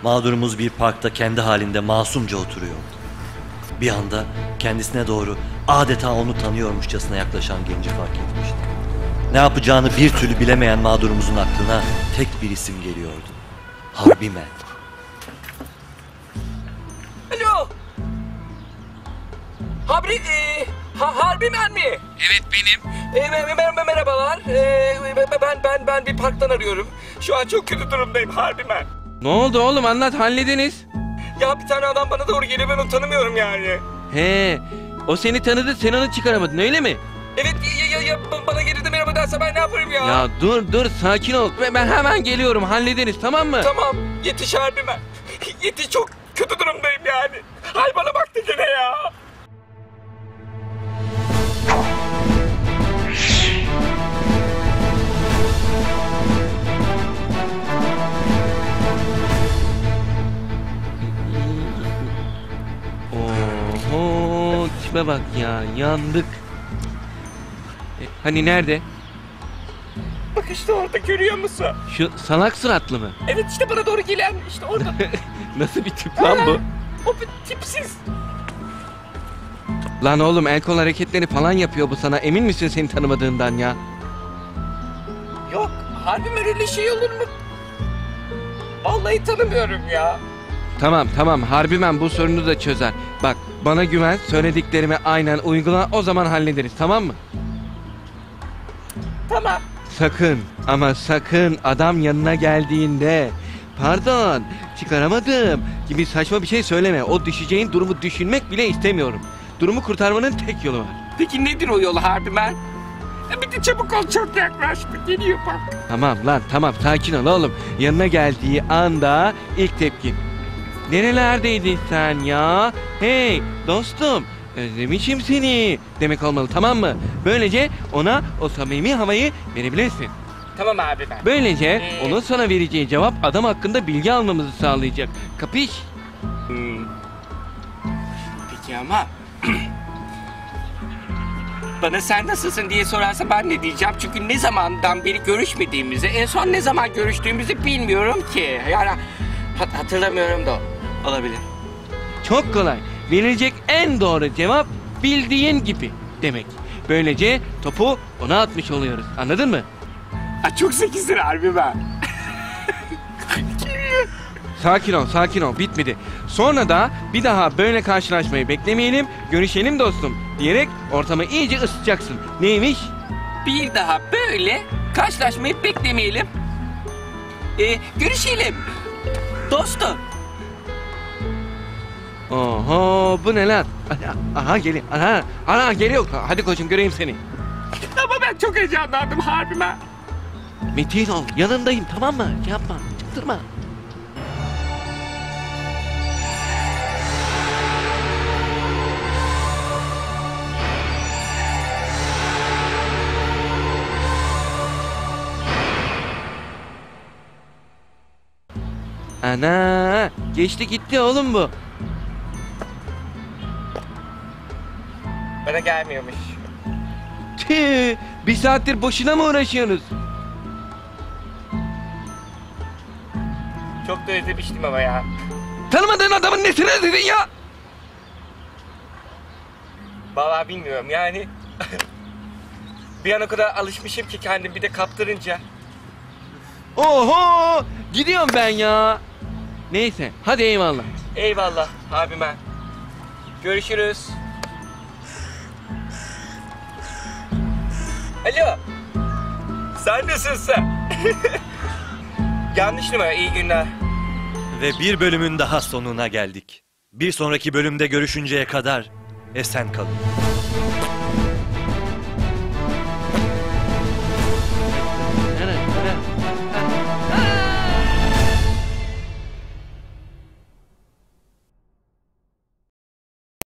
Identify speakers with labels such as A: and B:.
A: Mağdurumuz bir parkta kendi halinde masumca oturuyordu. Bir anda kendisine doğru adeta onu tanıyormuşçasına yaklaşan genci fark etmişti. Ne yapacağını bir türlü bilemeyen mağdurumuzun aklına tek bir isim geliyordu. Harbimen.
B: Alo. Harbimen mi?
C: Evet benim.
B: Merhabalar. Ben bir parktan arıyorum. Şu an çok kötü durumdayım Harbimen.
C: Ne oldu oğlum, anlat, hallediniz.
B: Ya bir tane adam bana doğru geliyor, ben onu tanımıyorum yani.
C: He, o seni tanıdı, sen onu çıkaramadın öyle mi?
B: Evet ya bana gelirdi merhaba derse ben ne yaparım ya?
C: Ya dur sakin ol. Ben hemen geliyorum, hallediniz, tamam mı?
B: Tamam, yetiş Harbimen. Yetiş, çok kötü durumdayım yani. Hay bana baktı gene ya.
C: Oho, tipe bak ya, yandık. Hani nerede?
B: Bak işte orada, görüyor musun?
C: Şu salak suratlı mı?
B: Evet işte bana doğru gelen, işte orada.
C: Nasıl bir tip lan bu?
B: O bir tipsiz.
C: Lan oğlum, el kol hareketleri falan yapıyor bu sana, emin misin seni tanımadığından ya?
B: Yok, Harbimen öyle şey olur mu? Vallahi tanımıyorum ya.
C: Tamam, Harbimen bu sorunu da çözer. Bak, bana güven, söylediklerimi aynen uygula, o zaman hallederiz, tamam mı?
B: Tamam.
C: Sakın ama sakın adam yanına geldiğinde pardon çıkaramadım gibi saçma bir şey söyleme. O düşeceğin durumu düşünmek bile istemiyorum. Durumu kurtarmanın tek yolu var.
B: Peki nedir o yol Harbimen? Bir de çabuk ol, çok yaklaştı. Geliyor bak.
C: Tamam sakin ol oğlum. Yanına geldiği anda ilk tepki. Nerelerdeydin sen ya? Hey dostum, özlemişim seni demek olmalı, tamam mı? Böylece ona o samimi havayı verebilirsin.
B: Tamam Harbimen.
C: Böylece onun sana vereceği cevap adam hakkında bilgi almamızı sağlayacak. Kapış?
B: Peki ama bana sen nasılsın diye sorarsa ben ne diyeceğim? Çünkü ne zamandan beri görüşmediğimizi, en son ne zaman görüştüğümüzü bilmiyorum ki. Yani hatırlamıyorum da olabilir.
C: Çok kolay. Verilecek en doğru cevap bildiğin gibi demek. Böylece topu ona atmış oluyoruz. Anladın mı?
B: Çok zekizdir Harbimen.
C: Sakin ol. Bitmedi. Sonra da bir daha böyle karşılaşmayı beklemeyelim, görüşelim dostum diyerek ortamı iyice ısıtacaksın. Neymiş?
B: Bir daha böyle karşılaşmayı beklemeyelim. Görüşelim. Dostum.
C: Oho, bu ne lan? Aha geliyor. Aha geliyor. Hadi koçum, göreyim seni.
B: Ama ben çok heyecanlandım Harbimen.
C: Metin ol. Yanındayım, tamam mı? Yapma. Çıktırma. Ana, geçti gitti oğlum bu.
B: Bana gelmiyormuş.
C: Tüh, bir saattir boşuna mı uğraşıyorsunuz?
B: Çok da özlemiştim ama ya.
C: Tanımadığın adamın nesini özledin ya?
B: Vallahi bilmiyorum yani. Bir an o kadar alışmışım ki kendim, bir de kaptırınca.
C: Oho, gidiyorum ben ya. Neyse, hadi eyvallah.
B: Eyvallah Harbimen. Görüşürüz. Alo. Sen nasılsın? Yanlış numara, iyi günler.
A: Ve bir bölümün daha sonuna geldik. Bir sonraki bölümde görüşünceye kadar esen kalın.